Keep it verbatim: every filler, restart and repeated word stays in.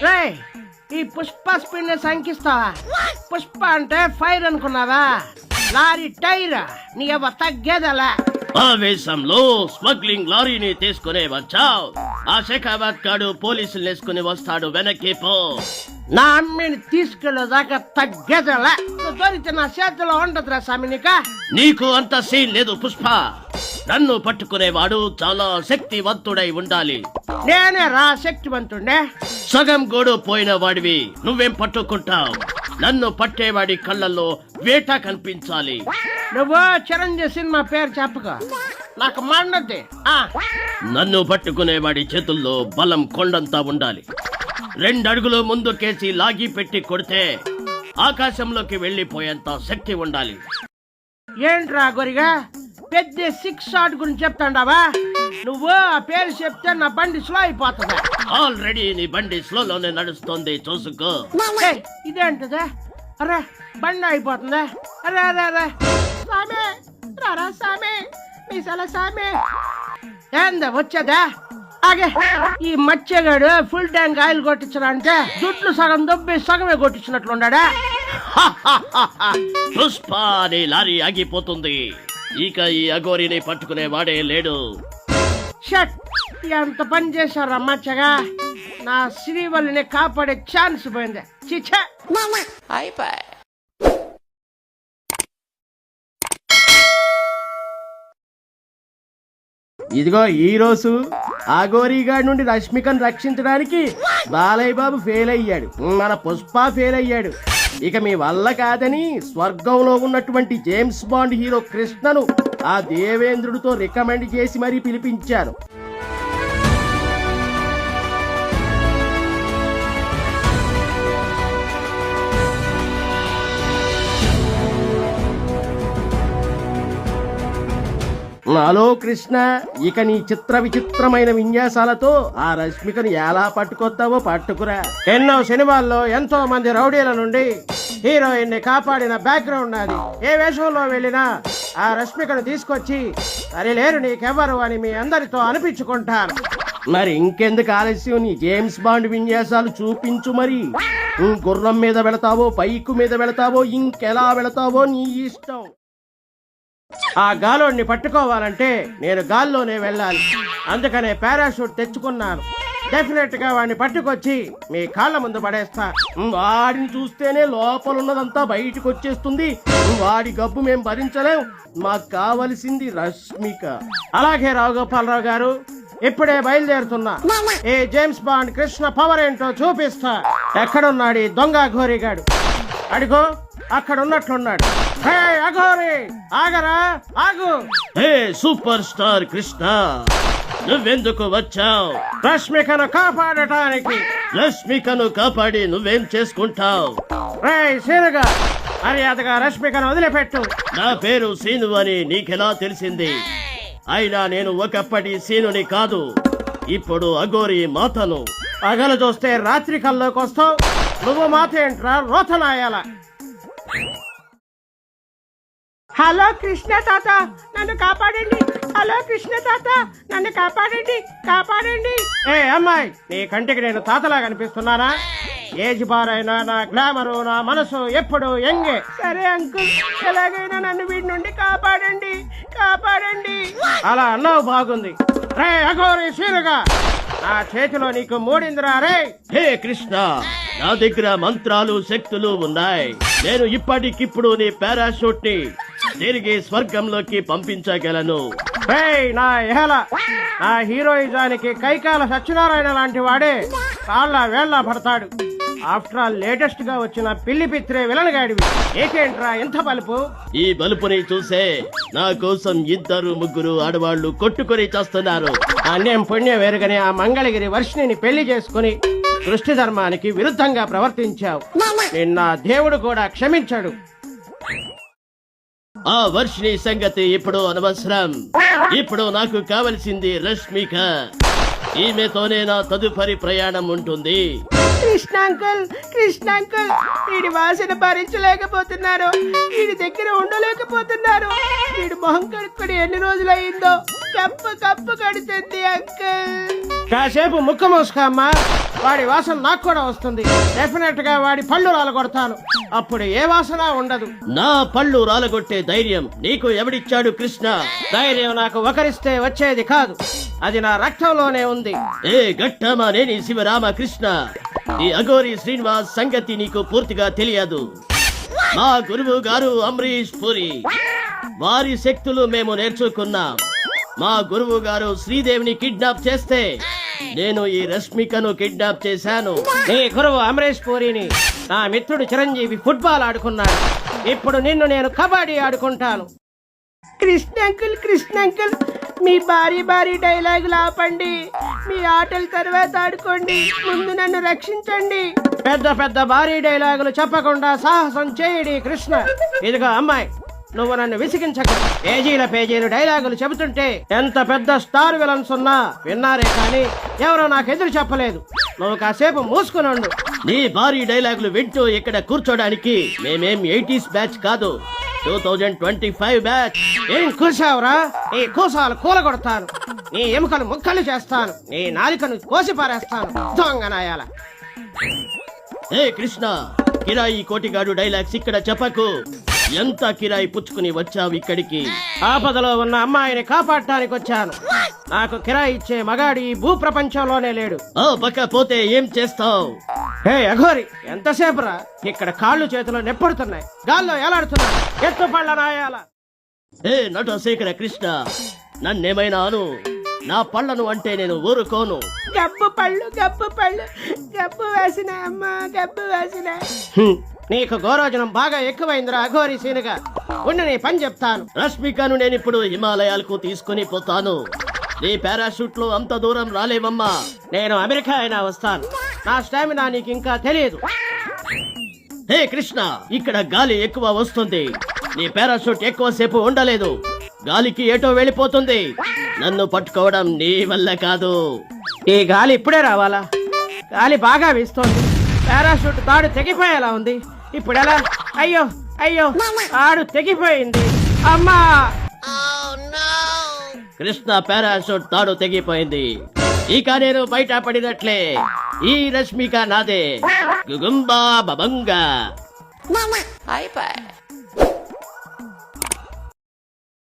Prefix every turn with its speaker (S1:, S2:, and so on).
S1: రే ఈ పుష్ప స్పీడ్ ని శంకిస్తావా? పుష్ప అంటే ఫైర్ అనుకున్నావా? లారీ టైర్ నీ ఎవ తగ్గేదలా.
S2: ఆవేశంలో స్మగ్లింగ్ లారీని తీసుకునే వచ్చావు. ఆ శేఖాబాద్ కాడు పోలీసులు వేసుకుని వస్తాడు, వెనక్కి పో.
S1: నా అమ్మిని తీసుకెళ్ళేదాకా తగ్గేదలా. దొరికితే నా చేతిలో ఉండదురా సామినిక.
S2: నీకు అంత సీన్ లేదు పుష్ప. నన్ను పట్టుకునేవాడు చాలా శక్తివంతుడై ఉండాలి.
S1: నేనే రా శక్తివంతుండే.
S2: సగం గోడు పోయిన వాడివి నువ్వేం పట్టుకుంటావు? నన్ను పట్టేవాడి కళ్ళల్లో వేట కనిపించాలి.
S1: నువ్వు చిరంజీవి సినిమా పేరు చెప్పక, నాకు మండద్ది.
S2: నన్ను పట్టుకునేవాడి చేతుల్లో బలం కొండంతా ఉండాలి. రెండడుగులు ముందుకేసి లాగి పెట్టి కొడితే ఆకాశంలోకి వెళ్లిపోయేంత శక్తి ఉండాలి.
S1: ఏంట్రా గొరిగా పెద్ద సిక్స్ షాట్ గురించి చెప్తాండావా? నువ్వు ఆ పేరు చెప్తే నా బండి స్లో అయిపోతుంది.
S2: ఆల్రెడీ నీ బండి స్లోలోనే నడుస్తుంది, చూసుకో.
S1: ఇదేంటదే? అరే బండి అయిపోతుంది. అరే అరే అరే సామే రారా సామే మీసాల సామే. ఏందా వచ్చేదా? ఆగే ఈ మత్స్యగాడు ఫుల్ ట్యాంక్ ఆయిల్ కొట్టించాలంటే దుడ్లు సగం దొబ్బి సగమే కొట్టించినట్లుండా.
S2: పుష్ప నీ లారీ ఆగిపోతుంది. ఇక ఈ అఘోరిని పట్టుకునే వాడే లేడు.
S1: షట్ ఎంత పని చేశారు మచ్చగా. నా శ్రీవల్లిని కాపాడే ఛాన్స్ పోయింది. చిచ్చా అయిపోయి.
S3: ఇదిగో ఈ రోజు ఆగోరీగాడి నుండి రష్మికను రక్షించడానికి బాలయ్య బాబు ఫెయిల్ అయ్యాడు, మన పుష్ప ఫెయిల్ అయ్యాడు. ఇక మీ వల్ల కాదని స్వర్గంలో ఉన్నటువంటి జేమ్స్ బాండ్ హీరో కృష్ణను ఆ దేవేంద్రుడితో రికమెండ్ చేసి మరీ పిలిపించాను. హలో కృష్ణ, ఇక నీ చిత్ర విచిత్రమైన విన్యాసాలతో ఆ రష్మికను ఎలా పట్టుకొస్తావో పట్టుకురా.
S1: ఎన్నో సినిమాల్లో ఎంతో మంది రౌడీల నుండి హీరోయిన్ ని కాపాడిన బ్యాక్గ్రౌండ్ నాది. ఏ వేషంలో వెళ్ళినా ఆ రష్మికను తీసుకొచ్చి సరే లేరు నీకెవ్వరు అని మీ అందరితో అనిపించుకుంటాను.
S3: మరి ఇంకెందుకు ఆలస్యం, నీ జేమ్స్ బాండ్ విన్యాసాలు చూపించు. మరి గుర్రం మీద వెళతావో, బైకు మీద వెళతావో, ఇంకెలా వెళతావో నీ ఇష్టం.
S1: ఆ గాలోడిని పట్టుకోవాలంటే నేను గాల్లోనే వెళ్ళాలి. అందుకనే పారాషూట్ తెచ్చుకున్నాను. డెఫినెట్ గా వాడిని పట్టుకొచ్చి మీ కాళ్ళ ముందు పడేస్తా.
S3: వాడిని చూస్తేనే లోపలున్నదంతా బయటకు వచ్చేస్తుంది. వాడి గబ్బు మేం భరించలేం. మాకు కావలసింది రష్మిక.
S1: అలాగే రావు గోపాలరావు గారు, ఇప్పుడే బయలుదేరుతున్నా. ఏ జేమ్స్ బాండ్ కృష్ణ పవర్ ఏంటో చూపిస్తా. ఎక్కడున్నాడు ఈ దొంగ ఘోరిగాడు? అడిగో అక్కడ ఉన్నట్లున్నాడు. హే అఘోరి ఆగరా, ఆగు.
S2: హే సూపర్ స్టార్ కృష్ణ, నువ్వెందుకు వచ్చావు?
S1: రష్మికను కాపాడటానికి.
S2: రష్మికను కాపాడి నువ్వేం చేసుకుంటావు?
S1: రే సీనుగా, మర్యాదగా రష్మికను వదిలిపెట్టు.
S2: నా పేరు సీను అని నీకెలా తెలిసింది? అయినా నేను ఒకప్పటి సీనుని కాదు, ఇప్పుడు అఘోరి మాతను.
S1: పగలు చూస్తే రాత్రి కల్లోకి వస్తావు. నువ్వు మాత ఏంట్రా రోతనాయాల? హలో కృష్ణ తాత, నన్ను కాపాడండి. హలో కృష్ణ తాత, నన్ను కాపాడండి, కాపాడండి. ఏ అమ్మాయి, నీ కంటికి నేను తాతలా కనిపిస్తున్నానా? ఏజ్ బారైనా నా గ్లామరు, నా మనసు ఎప్పుడు ఎంగే. సరే అంకుల్, ఎలాగైనా నన్ను వీడి నుండి కాపాడండి, కాపాడండి. అలా అన్నావు బాగుంది. రే అఘోరి సీనుగా, నా చేతిలో నీకు మూడిందిరా. రే
S2: హే కృష్ణ, నా దగ్గర మంత్రాలు శక్తులు ఉన్నాయి. నేను ఇప్పటికిప్పుడు నీ పారాషూట్ ని తిరిగి స్వర్గంలోకి పంపించగలను.
S1: రే నా ఎహల, నా హీరోయిజానికి కైకాల సత్యనారాయణ లాంటి వాడే కాళ్ళ వేళ్ళ పడతాడు. ఆఫ్టర్ ఆల్ లేటెస్ట్ గా వచ్చిన పిల్లి పిత్రే విలన్ గాడివి. ఏకేంట్రా ఎంత బలుపు?
S2: ఈ బలుపుని చూసే నా కోసం ఇద్దరు ముగ్గురు ఆడవాళ్లు కొట్టుకొని చేస్తున్నారు.
S1: అన్యం పుణ్యం వేరుగానే ఆ మంగళగిరి వర్షిణిని పెళ్లి చేసుకుని సృష్టి ధర్మానికి విరుద్ధంగా ప్రవర్తించావు. నిన్న దేవుడు కూడా క్షమించాడు.
S2: ఆ వర్షిణి సంగతి ఇప్పుడు అనవసరం. ఇప్పుడు నాకు కావలసింది రష్మిక. ఈమెతోనే నా తదుపరి ప్రయాణం ఉంటుంది.
S1: కృష్ణ అంకుల్, కృష్ణ అంకుల్, వీడి వాసన భరించలేకపోతున్నారు. వీడి దగ్గర ఉండలేకపోతున్నారు. వీడి మొహం కడుక్కొని ఎన్ని రోజులయ్యిందో. కప్పు కప్పు కడుతుంది అంకుల్. కాసేపు ముక్క మూసుకోమ్మా. వాడి వాసన నాకు కూడా వస్తుంది. డెఫినెట్ గా వాడి పళ్ళు రాలగొడతాను. అప్పుడు ఏ వాసన ఉండదు.
S2: నా పళ్ళు రాలగొట్టే ధైర్యం నీకు ఎవడిచ్చాడు కృష్ణ?
S1: ధైర్యం నాకు ఒకరిస్తే వచ్చేది కాదు, అది నా రక్తంలోనే ఉంది.
S2: ఏ గట్టమా నేని శివరామకృష్ణ, ఈ అఘోరి శ్రీనివాస్ సంగతి నీకు పూర్తిగా తెలియదు. మా గురువు గారు అమరీష్ పురి, వారి శక్తులు మేము నేర్చుకున్నాం. మా గురువు గారు శ్రీదేవిని కిడ్నాప్ చేస్తే నేను ఈ రష్మికను కిడ్నాప్ చేశాను.
S1: నీ గురువు అమరేష్ పూరిని నా మిత్రుడు చిరంజీవి ఫుట్బాల్ ఆడుకున్నాడు. ఇప్పుడు నిన్ను నేను కబడ్డీ ఆడుకుంటాను. కృష్ణ అంకుల్, కృష్ణ అంకుల్, మీ భారీ భారీ డైలాగులు ఆపండి. మీ ఆటల తర్వాత ఆడుకోండి. ముందు నన్ను రక్షించండి. పెద్ద పెద్ద భారీ డైలాగులు చెప్పకుండా సాహసం చేయడి కృష్ణ. ఇదిగో అమ్మాయి, నువ్వు నన్ను విసిగించక. పేజీల పేజీలు డైలాగులు చెబుతుంటే ఎంత పెద్ద స్టార్ విలన్స్ ఉన్నా విన్నారే కానీ ఎవరో నాకు ఎదురు చెప్పలేదు. నువ్వు కాసేపు మూసుకుని ఉండు.
S2: నీ భారీ డైలాగులు వింటూ ఇక్కడ కూర్చోడానికి మేమేం ఎయిటీస్ బ్యాచ్ కాదు, two thousand twenty five batch.
S1: ఏం కూసావురా? నీ కూసాలు కూలగొడతాను. నీ ఎముకలు ముక్కలు చేస్తాను. నీ నాలికను కోసి పారేస్తాను. దొంగనాయాల.
S2: ఏ కృష్ణ, కిరాయి కోటిగాడు డైలాగ్స్ ఇక్కడ చెప్పకు. ఎంత కిరాయి పుచ్చుకుని వచ్చావు ఇక్కడికి?
S1: ఆపదలో ఉన్న అమ్మాయిని కాపాడటానికి వచ్చాను. నాకు కిరాయి ఇచ్చే మగాడి ఈ భూ ప్రపంచంలోనే లేడు.
S2: ఓ పక్క పోతే ఏం చేస్తావు?
S1: హే అఘోరి, ఎంతసేపురా? ఇక్కడ కాళ్ళు చేతులు నెప్పుడుతున్నాయి, గాల్లో ఎలాడుతున్నాయి. ఎత్తు పళ్ళ నాయాల.
S2: ఏ నటశేఖర కృష్ణ, నన్నేమైనా అను, నా పళ్ళను అంటే నేను ఊరుకోను.
S1: గబ్బు పళ్ళు, గబ్బు పళ్ళు, గబ్బు వేసిన అమ్మ, గబ్బు వేసిన. నీకు గోరోజనం బాగా ఎక్కువైందిరా అఘోరి సీనుగా. ఉండి నీ పని చెప్తాను.
S2: రష్మికను నేను ఇప్పుడు హిమాలయాలకు తీసుకుని పోతాను. నీ పారాషూట్ లో అంత దూరం రాలేవమ్మా.
S1: నేను అమెరికా అయినా వస్తాను. నా స్టామినా నీకు ఇంకా తెలియదు.
S2: హే కృష్ణ, ఇక్కడ గాలి ఎక్కువ వస్తుంది. నీ పారాషూట్ ఎక్కువసేపు ఉండలేదు. గాలికి ఏటో వెళ్ళిపోతుంది. నన్ను పట్టుకోవడం నీ వల్ల కాదు.
S1: ఈ గాలి ఇప్పుడే రావాలా? గాలి బాగా వీస్తోంది. పారాషూట్ తాడు తెగిపోయేలా ఉంది. ఇప్పుడు ఎలా? అయ్యో అయ్యో, తాడు తెగిపోయింది. అమ్మా!
S2: కృష్ణ పారాషూట్ తాడు తెగిపోయింది. ఇక నేను బయట పడినట్లే. ఈ రష్మిక నాదే. గుగుంబా బబంగా.